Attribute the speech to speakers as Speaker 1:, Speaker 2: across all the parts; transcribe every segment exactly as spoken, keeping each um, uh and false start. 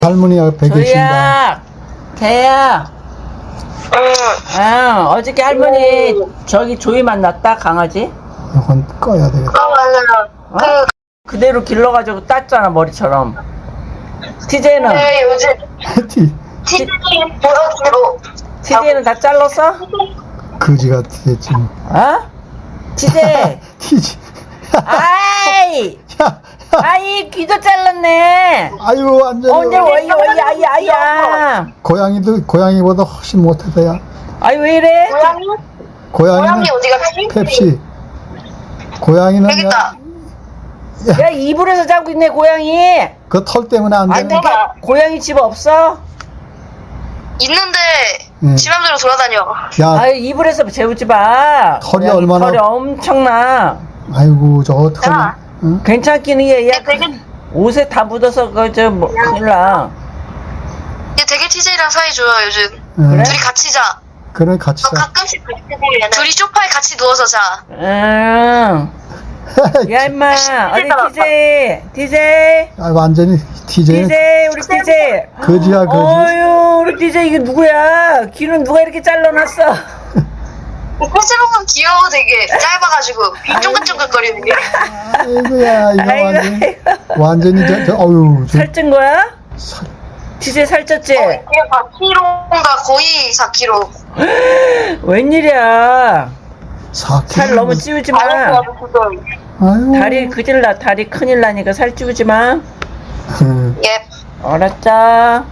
Speaker 1: 할머니가 베개 신다.
Speaker 2: 조이야, 개야.
Speaker 3: 응.
Speaker 2: 아, 어저께 할머니 저기 조이 만났다 강아지.
Speaker 1: 이건 꺼야 되겠다.
Speaker 3: 아, 맞아요.
Speaker 2: 어? 그대로 길러가지고 땄잖아 머리처럼. 티제이는
Speaker 3: 그, 네, 요즘
Speaker 1: 티,
Speaker 3: 티비 보여주로.
Speaker 2: 티제이는 다 잘랐어?
Speaker 1: 거지 같겠지.
Speaker 2: 어? 티제이.
Speaker 1: 티지.
Speaker 2: 아이,
Speaker 1: 야,
Speaker 2: 아이 귀도 잘랐네.
Speaker 1: 아유, 완전히.
Speaker 2: 언제 와이 와이 아이 아이야.
Speaker 1: 고양이도, 고양이보다 훨씬 못하다야.
Speaker 2: 아이 왜 이래?
Speaker 3: 고양이?
Speaker 1: 고양이는
Speaker 3: 고양이 어디 갔지?
Speaker 1: 펩시. 고양이는
Speaker 3: 여기 있다.
Speaker 2: 야 이불에서 자고 있네 고양이.
Speaker 1: 그 털 때문에 안
Speaker 2: 아니
Speaker 1: 되는.
Speaker 3: 내가-
Speaker 2: 고양이 집 없어?
Speaker 3: 있는데
Speaker 1: 응.
Speaker 3: 지 맘대로 돌아다녀.
Speaker 1: 야,
Speaker 2: 아유 이불에서 재우지 마.
Speaker 1: 털이
Speaker 2: 고양이
Speaker 1: 얼마나-
Speaker 2: 털이 엄청나.
Speaker 1: 아이고, 저거 털이.
Speaker 3: 야.
Speaker 1: 응?
Speaker 2: 괜찮긴 해. 야,
Speaker 3: 얘 되게
Speaker 2: 옷에 다 묻어서 그저 뭐 큰일 나.
Speaker 3: 얘 되게 티제이랑 사이 좋아 요즘.
Speaker 1: 응.
Speaker 2: 그래?
Speaker 3: 둘이 같이 자.
Speaker 1: 그래, 같이
Speaker 3: 너
Speaker 1: 자.
Speaker 3: 가끔씩 같이 자. 둘이 소파에 같이 누워서 자.
Speaker 2: 응. 야 임마 어디 티제이 티제이
Speaker 1: 아, 완전히 티제이.
Speaker 2: 티제이 우리 티제이.
Speaker 1: 거지야, 거지.
Speaker 2: 어유 우리 티제이 이게 누구야? 귀는 누가 이렇게 잘라놨어?
Speaker 3: 콧으로는 귀여워 되게 짧아가지고 귀 쫑긋쫑긋거리는 게.
Speaker 1: 아이고야, 이거
Speaker 2: 아이고,
Speaker 1: 완전히.
Speaker 2: 아이고.
Speaker 1: 완전히, 저, 저, 어유, 저,
Speaker 2: 살찐 거야?
Speaker 1: 살,
Speaker 2: 티제이 살쪘지?
Speaker 3: 이게 사 킬로그램인가 거의 사 킬로그램.
Speaker 2: 웬일이야?
Speaker 1: 사
Speaker 2: 살 너무 찌우지 마.
Speaker 1: 아유.
Speaker 2: 다리 그질 나 다리 큰일 나니까 살 찌우지 마.
Speaker 1: 응.
Speaker 3: 예.
Speaker 2: 알았자.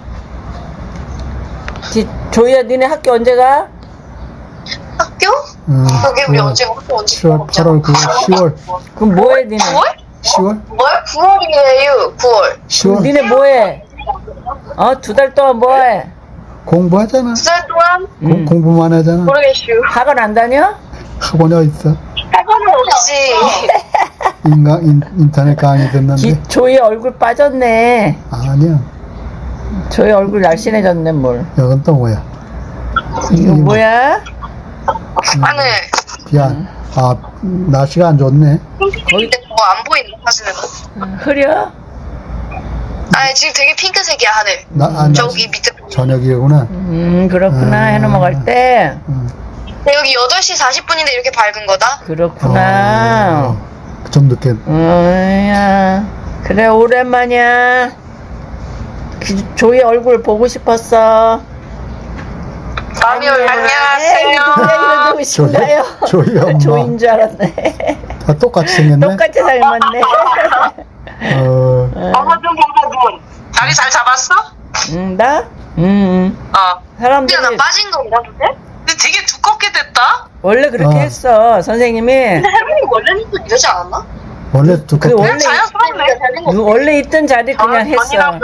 Speaker 2: 지, 조이야, 니네 학교 언제 가?
Speaker 3: 학교?
Speaker 1: 응.
Speaker 3: 여기 우리
Speaker 1: 구월,
Speaker 3: 언제 학교 언제?
Speaker 1: 칠월, 팔월, 구월, 시월.
Speaker 2: 그럼 뭐해, 니네?
Speaker 3: 구월?
Speaker 1: 시월?
Speaker 3: 뭘? 구월이에요. 구월.
Speaker 1: 시월.
Speaker 2: 니네 뭐해? 어, 두 달 동안 뭐해?
Speaker 1: 공부하잖아.
Speaker 3: 두 달 동안
Speaker 1: 공,
Speaker 2: 음.
Speaker 1: 공부만 하잖아.
Speaker 3: 모르겠슈.
Speaker 2: 학원 안 다녀?
Speaker 1: 학원이 어딨어?
Speaker 3: 학원은 없지.
Speaker 1: 인강, 인, 인터넷 강의 듣는데.
Speaker 2: 기, 조이 얼굴 빠졌네.
Speaker 1: 아니야.
Speaker 2: 조이 얼굴 날씬해졌네, 뭘.
Speaker 1: 이건 또 뭐야?
Speaker 2: 이거 뭐야?
Speaker 3: 하늘.
Speaker 1: 비안. 아, 날씨가 안 좋네.
Speaker 3: 근데 뭐 안 보이는 사진은?
Speaker 2: 흐려?
Speaker 3: 아니 지금 되게 핑크색이야 하늘.
Speaker 1: 나, 아, 나,
Speaker 3: 저기 밑에.
Speaker 1: 저녁이구나.
Speaker 2: 음, 그렇구나.
Speaker 1: 음.
Speaker 2: 해넘어갈 때.
Speaker 1: 응.
Speaker 3: 근데 여기 여덟 시 사십 분인데 이렇게 밝은 거다?
Speaker 2: 그렇구나.
Speaker 1: 어, 좀 늦게.
Speaker 2: 음, 야. 그래, 오랜만이야. 기, 조이 얼굴 보고 싶었어.
Speaker 3: 아니요.
Speaker 2: 에이, 누구야, 이거 누구신가요?
Speaker 1: 조이, 조이 엄마.
Speaker 2: 조인 줄 알았네.
Speaker 1: 다 똑같이 생겼네.
Speaker 2: 똑같이 닮았네.
Speaker 1: 어,
Speaker 3: 어머 좀 봐봐 좀. 다리 잘 잡았어?
Speaker 2: 응, 나? 응.
Speaker 3: 어.
Speaker 2: 사람들이
Speaker 3: 근데 나 빠진 건가 근데? 근데 되게 두껍게 됐다?
Speaker 2: 원래 그렇게
Speaker 1: 어.
Speaker 2: 했어, 선생님이.
Speaker 3: 할머니 원래는 또 이러지 않았나?
Speaker 1: 원래
Speaker 2: 그
Speaker 1: 두껍게.
Speaker 2: 원래,
Speaker 3: 자연스럽네.
Speaker 2: 누- 원래 있던 자리 그냥 했어.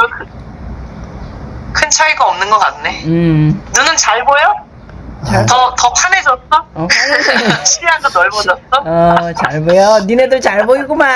Speaker 4: 큰 차이가 없는 것 같네.
Speaker 2: 음.
Speaker 4: 눈은 잘 보여?
Speaker 1: 아,
Speaker 4: 더, 더 환해졌어?
Speaker 2: 어,
Speaker 4: 시야가 넓어졌어?
Speaker 2: 어, 잘 보여. 니네들 잘 보이구만.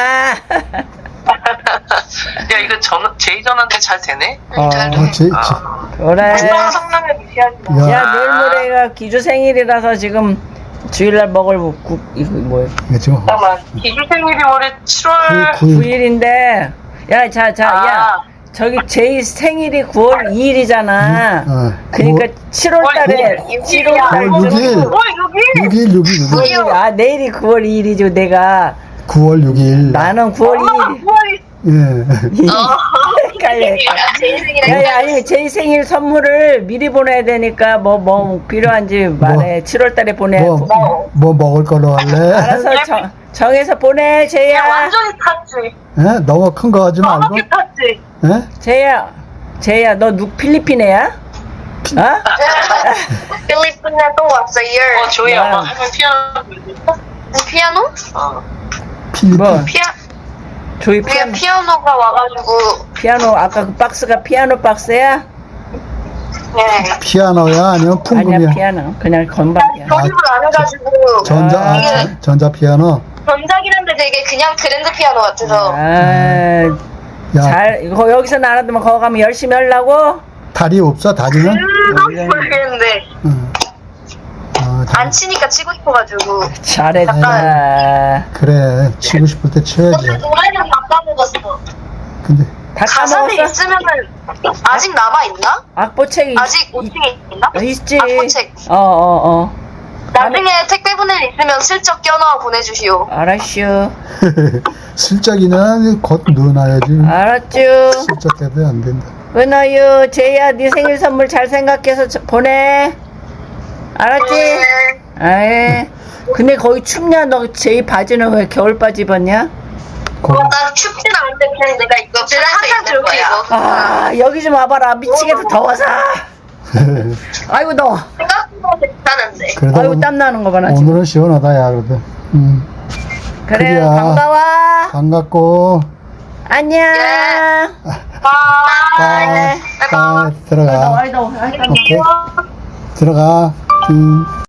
Speaker 4: 야, 이거 전, 제이전한테 잘 되네?
Speaker 2: 어,
Speaker 3: 잘
Speaker 1: 어, 제, 제,
Speaker 2: 그래.
Speaker 4: 얼마나 성능을 무시하지 마.
Speaker 1: 야,
Speaker 2: 야, 내일 모레가 기주 생일이라서 지금 주일날 먹을 국, 이거 뭐야.
Speaker 1: 이거 지금
Speaker 4: 잠깐만, 기주 생일이 올해 칠월
Speaker 1: 구, 구,
Speaker 2: 구 일인데, 야, 자, 자, 야.
Speaker 4: 아.
Speaker 2: 저기 제이 생일이 구월 이 일이잖아.
Speaker 1: 어,
Speaker 2: 그러니까 칠월 달에
Speaker 4: 구월
Speaker 2: 칠월 달에
Speaker 1: 구월 육 일.
Speaker 4: 어, 여기?
Speaker 1: 육 일, 육 일, 육 일.
Speaker 2: 구월, 아 내일이 구월 이 일이죠. 내가
Speaker 1: 구월 육 일.
Speaker 2: 나는 구월 이 일.
Speaker 4: 구월이
Speaker 1: 예.
Speaker 2: 헷갈려. 야야 아니 제이 생일 선물을 미리 보내야 되니까 뭐 뭐 필요한지 말해. 칠월 달에 보내.
Speaker 1: 뭐, 뭐 먹을 걸로 할래?
Speaker 2: 알아서 정, 정해서 보내
Speaker 4: 야,
Speaker 2: 제이야.
Speaker 4: 완전히 탔지.
Speaker 1: 예? 너무 큰 거 하지 말고.
Speaker 4: 정확히 탔지.
Speaker 1: 예?
Speaker 2: 제이야. 제이야 너 누 필리핀 애야? 어?
Speaker 3: 필리핀에 또 왔어요.
Speaker 4: 어, 조이
Speaker 2: 야.
Speaker 4: 엄마 하면 피아노 불러줄까?
Speaker 3: 피아노?
Speaker 4: 어.
Speaker 1: 필리핀.
Speaker 2: 뭐
Speaker 3: 피아
Speaker 2: 조이
Speaker 3: 위에
Speaker 2: 피아노
Speaker 3: 피아노가 와가지고
Speaker 2: 피아노 아까 그 박스가 피아노 박스야?
Speaker 3: 네.
Speaker 1: 피아노야? 아니면 풍금이야?
Speaker 2: 아니야 피아노 그냥 건반이야.
Speaker 3: 조립을 안 해가지고
Speaker 1: 전자, 아,
Speaker 3: 이게
Speaker 1: 전- 전자 피아노?
Speaker 3: 전작이란데 되게 그냥 그랜드 피아노 같아서
Speaker 2: 아,
Speaker 1: 야,
Speaker 2: 잘 이거 여기서 나눠두면 거기 가면 열심히 하려고?
Speaker 1: 다리 없어? 다리는?
Speaker 3: 음, 모르겠는데
Speaker 1: 응. 어, 다리.
Speaker 3: 안 치니까 치고 싶어가지고
Speaker 2: 잘했다.
Speaker 1: 그래, 치고 싶을 때 쳐야지.
Speaker 3: 근데 노래는 다 까먹었어.
Speaker 1: 근데,
Speaker 2: 다
Speaker 3: 가산이
Speaker 2: 까먹었어?
Speaker 3: 있으면은 아직 남아 있나?
Speaker 2: 악보책이
Speaker 3: 아직 오 층에 있나?
Speaker 2: 있지.
Speaker 3: 악보책.
Speaker 2: 어어 어.
Speaker 3: 나중에 택배 보낼 일 있으면 슬쩍 껴넣어 보내주시오.
Speaker 2: 알았슈.
Speaker 1: 슬쩍이는 곧 넣어놔야지.
Speaker 2: 알았쥬.
Speaker 1: 슬쩍 해도 안 된다.
Speaker 2: 은어유, 제이야, 네 생일 선물 잘 생각해서 저- 보내. 알았지?
Speaker 3: 네.
Speaker 2: 아이. 근데 거기 춥냐? 너 제이 바지는 왜 겨울 바지 입었냐?
Speaker 1: 거,
Speaker 3: 나 춥진 않은데 그냥 내가 이거 그냥 항상 저렇게 입어.
Speaker 2: 아, 여기 좀 와봐라. 미치겠다, 더워서. 아이고, 더워.
Speaker 3: 생각보다 괜찮은데.
Speaker 1: 그래도
Speaker 2: 아이고,
Speaker 1: 오늘-
Speaker 2: 땀 나는 거 봐, 나 지금.
Speaker 1: 오늘은 시원하다, 야, 그래도. 음,
Speaker 2: 그래,
Speaker 1: 그래야.
Speaker 2: 반가워.
Speaker 1: 반갑고.
Speaker 2: 안녕.
Speaker 3: 바이.
Speaker 1: 빠, 빠,
Speaker 2: 아이, 더워,
Speaker 1: 들어가.
Speaker 2: 아이, 더워. 아이, 더워.
Speaker 1: 오케이. 들어가. 음.